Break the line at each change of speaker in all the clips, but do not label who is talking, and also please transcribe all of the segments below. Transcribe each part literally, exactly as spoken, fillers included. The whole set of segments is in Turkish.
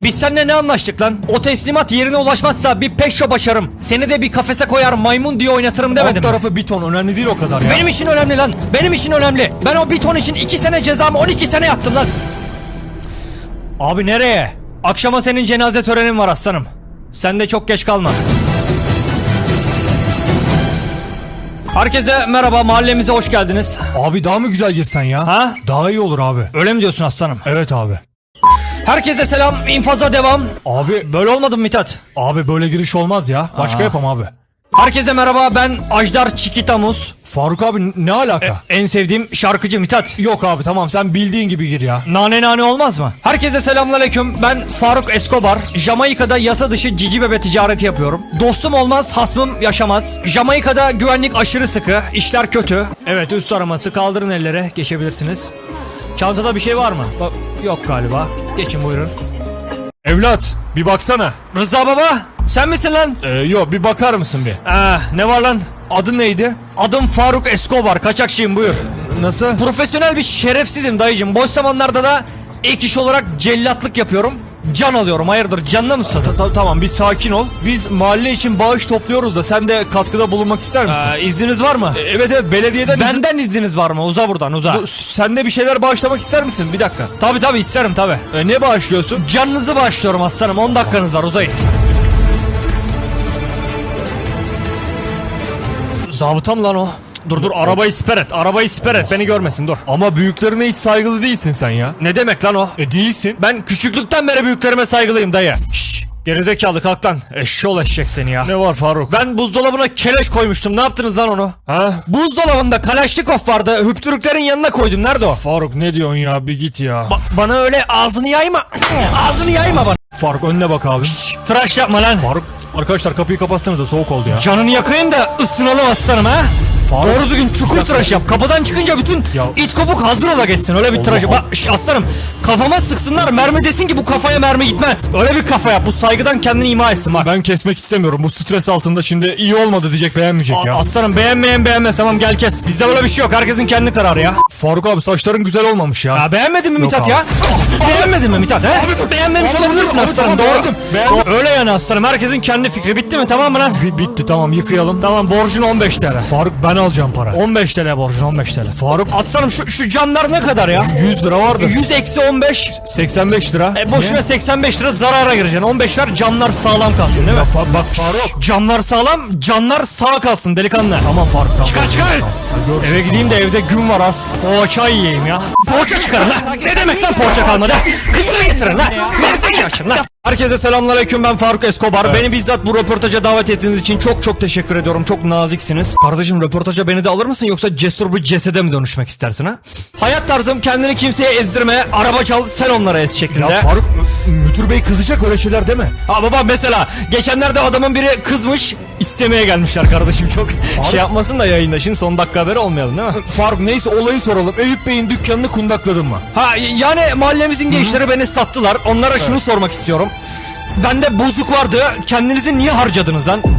Biz seninle ne anlaştık lan? O teslimat yerine ulaşmazsa bir peşo başarım. Seni de bir kafese koyar maymun diye oynatırım demedim
Alt
mi?
tarafı bir ton, önemli değil o kadar ya.
Benim için önemli lan. Benim için önemli. Ben o bir ton için iki sene cezamı on iki sene yattım lan. Abi nereye? Akşama senin cenaze törenin var aslanım. Sen de çok geç kalma. Herkese merhaba, mahallemize hoş geldiniz.
Abi daha mı güzel girsen ya?
Ha?
Daha iyi olur abi.
Öyle mi diyorsun aslanım?
Evet abi.
Herkese selam, infaza devam.
Abi
Böyle olmadı mı Mithat?
abi böyle giriş olmaz ya. Başka
Aa.
yapam abi.
Herkese merhaba, ben Ajdar Çikitamuz.
Faruk abi ne alaka?
En sevdiğim şarkıcı Mithat.
Yok abi tamam, sen bildiğin gibi gir ya.
Nane nane olmaz mı? Herkese selamünaleyküm. Ben Faruk Escobar. Jamaika'da yasa dışı cici bebe ticareti yapıyorum. Dostum olmaz, hasmım yaşamaz. Jamaika'da güvenlik aşırı sıkı, işler kötü. Evet, üst araması, kaldırın ellere, geçebilirsiniz. Çantada bir şey var mı? Ba- Yok galiba. Geçin buyurun.
Evlat bir baksana.
Rıza baba, sen misin lan?
Ee, yok bir bakar mısın bir?
Ah, ne var lan?
Adın neydi?
Adım Faruk Escobar, kaçakçıyım, buyur.
Nasıl?
Profesyonel bir şerefsizim dayıcım. Boş zamanlarda da ek iş olarak cellatlık yapıyorum. Can alıyorum, hayırdır, canına mı susadın?
Ta- tamam bir sakin ol. Biz mahalle için bağış topluyoruz da sen de katkıda bulunmak ister misin?
Ee, izniniz var mı?
E, evet evet belediyeden izin-
Benden izniniz var mı? Uza buradan, uza.
Du- Sen de bir şeyler bağışlamak ister misin? Bir dakika.
Tabi tabi isterim tabi.
E, ne bağışlıyorsun?
Canınızı bağışlıyorum aslanım, on dakikanız var, uzayın. Zabıtam lan o. Dur dur, arabayı siper et, arabayı siper et, beni görmesin, dur.
Ama büyüklerine hiç saygılı değilsin sen ya.
Ne demek lan o?
E değilsin.
Ben küçüklükten beri büyüklerime saygılıyım dayı. Şşş, gerizekalı kalk lan. Eşşol eşek seni ya.
Ne var Faruk?
Ben buzdolabına keleş koymuştum, ne yaptınız lan onu?
Ha?
Buzdolabında Kalaşnikov vardı, hüptürüklerin yanına koydum, nerede o?
Faruk ne diyorsun ya, bir git ya.
Ba- bana öyle ağzını yayma. Ağzını yayma bana.
Faruk önüne bak abi.
Tıraş yapma lan.
Faruk arkadaşlar kapıyı kapatsanıza, soğuk oldu ya.
Canını yakayım da ısınalım aslanım ha.
Faruk.
Doğru düzgün çukur tıraş yap. Kapıdan çıkınca bütün
Ya.
iç kopuk hazır ola geçsin. Öyle bir tıraş.
Allah.
Bak şş, aslanım, kafama sıksınlar, mermi desin ki bu kafaya mermi gitmez. Öyle bir kafa yap. Bu saygıdan kendini ima etsin bak.
Ben kesmek istemiyorum. Bu stres altında şimdi iyi olmadı diyecek, beğenmeyecek
A-
ya.
Aslanım, beğenmeyen beğenmez, tamam gel kes. Bizde böyle bir şey yok. Herkesin kendi kararı ya.
Faruk abi saçların güzel olmamış ya.
Ya beğenmedin mi Mithat
abi.
ya? Beğenmedin mi Mithat he? Beğenmemiş
Abi,
olabilirsin
abi,
aslanım,
tamam,
doğru.
beğendim, beğendim.
Doğru. Öyle yani aslanım, herkesin kendi fikri. Bitti mi, tamam mı lan?
Bi- bitti tamam, yıkayalım.
Tamam, borcun on beş TL.
Faruk ben alacağım para.
on beş TL borcun, on beş TL.
Faruk
Aslanım şu, şu camlar ne kadar ya?
yüz lira vardı.
yüz eksi on beş.
seksen beş lira.
E boşuna seksen beş lira zarara gireceksin. on beş ver, camlar sağlam kalsın değil mi?
Ya Fa- bak Faruk.
Camlar sağlam, canlar sağ kalsın delikanlı.
Tamam Faruk tamam.
Çıkar çıkar.
Tamam, hadi görüşürüz.
Eve gideyim de evde gün var az. Poğaça yiyeyim ya. Poğaça çıkarın lan. Ne demek lan poğaça kalmadı? Kızını getirin lan. Meslek açın lan. Herkese selamünaleyküm, ben Faruk Escobar.
Evet.
Beni bizzat bu röportaja davet ettiğiniz için çok çok teşekkür ediyorum. Çok naziksiniz. Kardeşim, röportaja beni de alır mısın, yoksa cesur bir cesede mi dönüşmek istersin ha? Hayat tarzım kendini kimseye ezdirme, araba çal sen onlara ez şeklinde.
Ya Faruk müdür bey kızacak, öyle şeyler deme.
Ha baba, mesela geçenlerde adamın biri kızmış, istemeye gelmişler kardeşim, çok şey yapmasın da yayında, şimdi son dakika haberi olmayalım değil mi?
Faruk neyse olayı soralım. Eyüp Bey'in dükkanını kundakladın mı?
Ha yani mahallemizin gençleri beni sattılar, onlara şunu sormak istiyorum. Bende bozuk vardı, kendinizi niye harcadınız lan?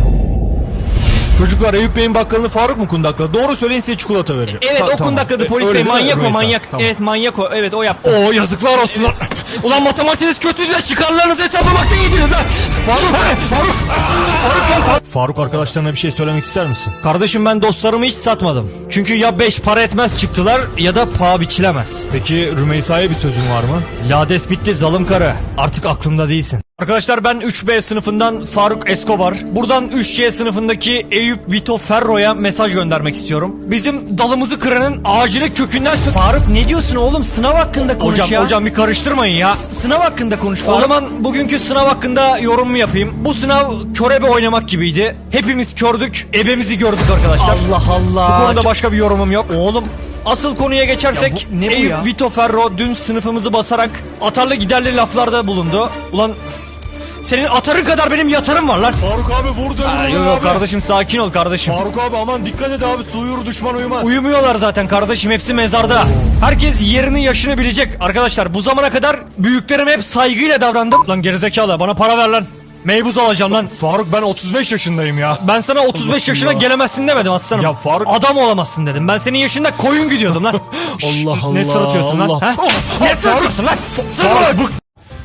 Çocuklar, Eyüp Bey'in bakkalını Faruk mu kundakladı? Doğru söyleyin, size çikolata vereceğim.
Evet,
Ta-
o
tamam.
kundakladı
E,
polis
öyle
bey,
değil mi?
manyak o,
Rümeysa,
manyak.
tamam.
Evet, manyak o, evet o yaptı. Oo, yazıklar olsun lan. Ulan matematiğiniz kötüydü de çıkarlarınızı hesaplamakta iyiydiniz lan.
Faruk, Faruk, Faruk, Faruk, Faruk arkadaşlarına bir şey söylemek ister misin?
Kardeşim, ben dostlarımı hiç satmadım. Çünkü ya beş para etmez çıktılar ya da paha biçilemez.
Peki Rümeysa'ya bir sözün var mı?
Lades bitti zalim karı. Artık aklımda değilsin. Arkadaşlar, ben üç B sınıfından Faruk Escobar. Buradan üç C sınıfındaki Eyüp Vito Ferro'ya mesaj göndermek istiyorum. Bizim dalımızı kıranın ağacını kökünden... Faruk, ne diyorsun oğlum? Sınav hakkında konuş
Hocam,
ya.
hocam,
bir karıştırmayın ya. S- sınav hakkında konuş Faruk. O zaman bugünkü sınav hakkında yorum mu yapayım? Bu sınav körebe oynamak gibiydi. Hepimiz kördük, ebemizi gördük arkadaşlar. Allah Allah. Bu konuda başka bir yorumum yok. Oğlum, asıl konuya geçersek,
Ya bu- ne bu
Eyüp
ya?
Vito Ferro dün sınıfımızı basarak atarlı giderli laflarda bulundu. Ulan senin atarın kadar benim yatarım var lan.
Faruk abi vurdu.
Aa, yok yok kardeşim, sakin ol kardeşim.
Faruk abi aman dikkat et abi, su uyur düşman uyumaz.
Uyumuyorlar zaten kardeşim, hepsi mezarda. Herkes yerini yaşını bilecek. Arkadaşlar, bu zamana kadar büyüklerime hep saygıyla davrandım. Lan gerizekalı, bana para ver lan. Meybuz alacağım lan.
Faruk ben otuz beş yaşındayım ya.
Ben sana otuz beş
Allah
yaşına
Allah.
gelemezsin demedim aslanım.
Ya Faruk-
Adam olamazsın dedim. Ben senin yaşında koyun gidiyordum lan. Şşş,
Allah
Ne
Allah,
sırıtıyorsun lan?
Allah.
Ha? Ne sırıtıyorsun lan? Sırma.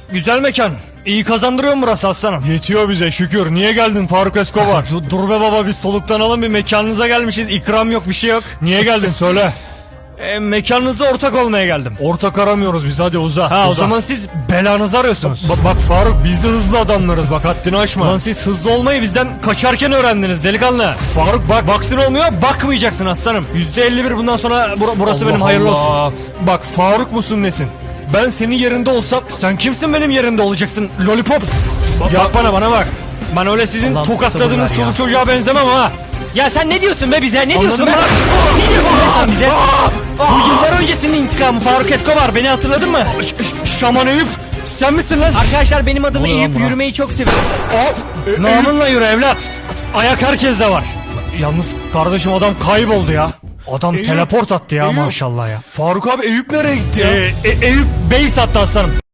Güzel mekan. İyi kazandırıyor mu burası aslanım?
Yetiyor bize şükür. Niye geldin Faruk Escobar?
Dur, dur be baba, biz soluklanalım, bir mekanınıza gelmişiz. İkram yok, bir şey yok.
Niye geldin söyle.
E, mekanınıza ortak olmaya geldim.
Ortak aramıyoruz biz, hadi uza.
Ha, o
uza.
zaman siz belanızı arıyorsunuz.
Ba- bak Faruk, biz de hızlı adamlarız, bak haddini aşma.
Lan siz hızlı olmayı bizden kaçarken öğrendiniz delikanlı.
Faruk bak.
Baksın olmuyor, bakmayacaksın aslanım. yüzde elli bir bundan sonra bur- burası
Allah
benim, hayırlı olsun.
Allah. Bak Faruk musun nesin? Ben senin yerinde olsam.
Sen kimsin benim yerimde olacaksın lollipop? Bak,
Ya-
bak bana bana bak. Ben öyle sizin
Allah'ım
tokatladığınız
sabır ver
çoluk
ya.
çocuğa benzemem ha. Ya sen ne diyorsun be bize? Ne diyorsun be?
bırak.
Ne diyorsun be sen bize? Bu yıllar öncesinin intikamı Faruk Escobar. Beni hatırladın mı? Ş- ş- Şaman Eyüp. Sen misin lan? Arkadaşlar benim adımı
Ne oluyor lan
Eyüp,
buna?
yürümeyi çok seviyorum. Hop. Namınla yürü evlat. Ayak herkeste var. Yalnız kardeşim adam kayboldu ya. Adam
Eyüp,
teleport attı ya
Eyüp.
maşallah ya.
Faruk abi, Eyüp nereye gitti ya?
Ee, e- Eyüp bey sattı aslanım.